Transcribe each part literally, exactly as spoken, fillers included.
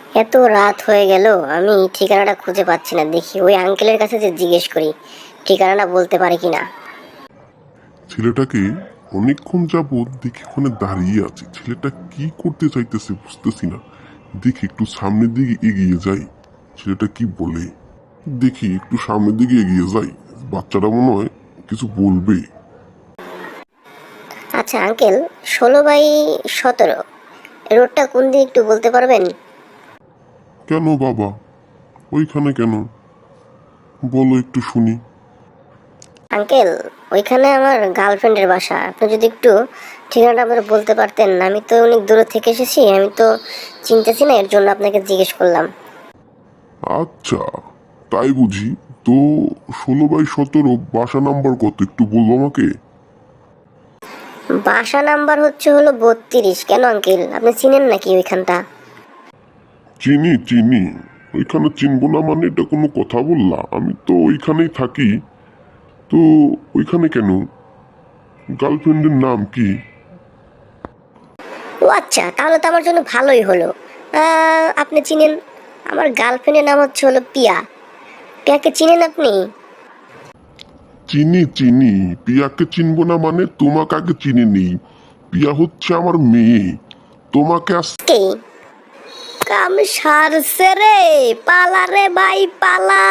এত রাত হয়ে গেল, আমি ঠিকানাটা খুঁজে পাচ্ছি না। দেখি ওই আঙ্কেলের কাছে যে জিজ্ঞেস করি ঠিকানাটা বলতে পারে কিনা। ছেলেটাকে অনেকক্ষণ যাবৎ দেখি ওখানে দাঁড়িয়ে আছে। ছেলেটা কি করতে চাইতেছে বুঝতেছি না। দেখি একটু সামনের দিকে এগিয়ে যাই, ছেলেটা কি বলে। দেখি একটু সামনের দিকে এগিয়ে যাই, বাচ্চাটা মনে হয় কিছু বলবে। আচ্ছা আঙ্কেল, ষোলো বাই সতেরো রোডটা কোন দিকে একটু বলতে পারবেন? কেন বাবা, ওইখানে কেন, বলো একটু শুনি। আঙ্কেল, ওইখানে আমার গার্লফ্রেন্ডের বাসা। আপনি যদি একটু ঠিকানাটা আমাকে বলতে পারতেন। আমি তো অনেক দূরে থেকে এসেছি, আমি তো চিনতেছি না, এর জন্য আপনাকে জিজ্ঞেস করলাম। আচ্ছা, তাই বুঝি। তো ষোলো বাই সতেরো বাসা নাম্বার কত একটু বলবো আমাকে? বাসা নাম্বার হচ্ছে হলো বত্রিশ। কেন আঙ্কেল, আপনি চিনেন নাকি ওইখানটা? চিনি চিনি, ওইখানে চিনবো না মানে এটা কোনো কথা বললা? আমি তো ওইখানেই থাকি। তো ওইখানে কেন, গার্লফ্রেন্ডের নাম কি? ও আচ্ছা, তাহলে তো আমার জন্য ভালোই হলো। আহ, আপনি চিনেন, আমার গার্লফ্রেন্ডের নাম হচ্ছে হলো পিয়া। পিয়াকে চিনেন আপনি? চিনি চিনি, পিয়াকে চিনবো না মানে তোমাকে আগে চিনি নেই। পিয়া হচ্ছে আমার মেয়ে, তোমাকে আস কে? কাম সারছে রে, পালা রে ভাই পালা।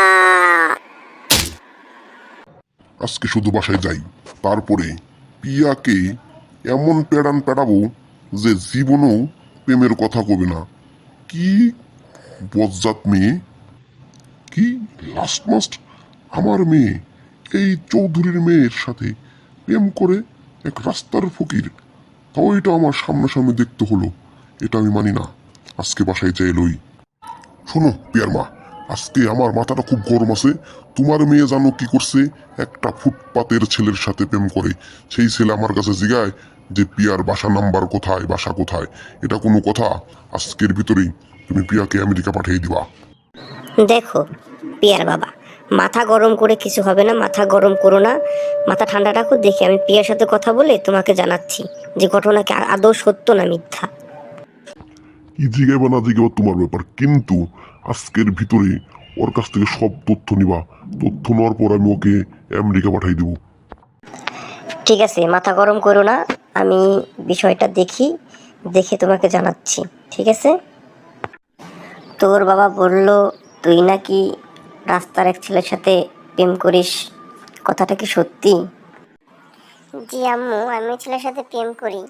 আজকে শুধু বাসায় যাই, তারপরে পিয়াকে এমন পেড়ান পেড়াবো যে জীবনেও প্রেমের কথা কবে না। কি বজ্জাত মেয়ে! কি লাস্ট মাস্ট আমার মেয়ে এই চৌধুরীর মেয়ের সাথে প্রেম করে এক রাস্তার ফকির, তাও এটা আমার সামনাসামনি দেখতে হলো। এটা আমি মানি না। আজকে বাসায় যাই লই। শোনো পিয়ার মা, আজকে আমার মাথাটা খুব গরম আছে। তোমার মেয়ে জানো কি করছে? একটা ফুটপাতের ছেলের সাথে প্রেম করে। সেই ছেলে আমার কাছে জিগায় যে পিয়ার বাসা নাম্বার কোথায়, বাসা কোথায়। এটা কোনো কথা? আজকের ভিতরেই তুমি পিয়াকে আমেরিকা পাঠিয়ে দিবা। দেখো পিয়ার বাবা, মাথা গরম করে কিছু হবে না, মাথা গরম করো না, মাথা ঠান্ডা রাখো। দেখি আমি পিয়ার সাথে কথা বলে তোমাকে জানাচ্ছি যে ঘটনা কি আদৌ সত্য না মিথ্যা। কি জিগাইবা না জিগাইবা তোমার ব্যাপার, কিন্তু আজকের ভিতরে ওর কাছ থেকে সব তথ্য নিবা। তথ্য নেওয়ার পর আমি ওকে আমেরিকা পাঠিয়ে দেবো। ঠিক আছে, মাথা গরম করো না, আমি বিষয়টা দেখি, দেখে তোমাকে জানাচ্ছি। ঠিক আছে? তোর বাবা বলল তুই নাকি রাস্তার এক ছেলের সাথে প্রেম করিস, কথাটা কি সত্যি? জি আম্মু, আমি ছেলের সাথে প্রেম করি।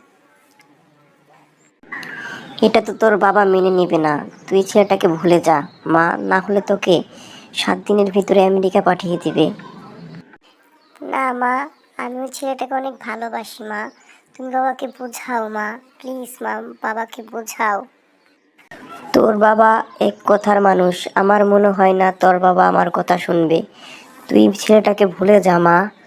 এটা তো তোর বাবা মেনে নেবে না। তুই ছেলেটাকে ভুলে যা মা, না হলে তোকে সাত দিনের ভিতরে আমেরিকা পাঠিয়ে দিবে। না মা, আমি ওই ছেলেটাকে অনেক ভালোবাসি মা। তুমি বাবাকে বোঝাও মা, প্লিজ মা, বাবাকে বোঝাও। তোর বাবা এক কথার মানুষ, আমার মনে হয় না তোর বাবা আমার কথা শুনবে। তুই ছেলেটাকে ভুলে যা মা।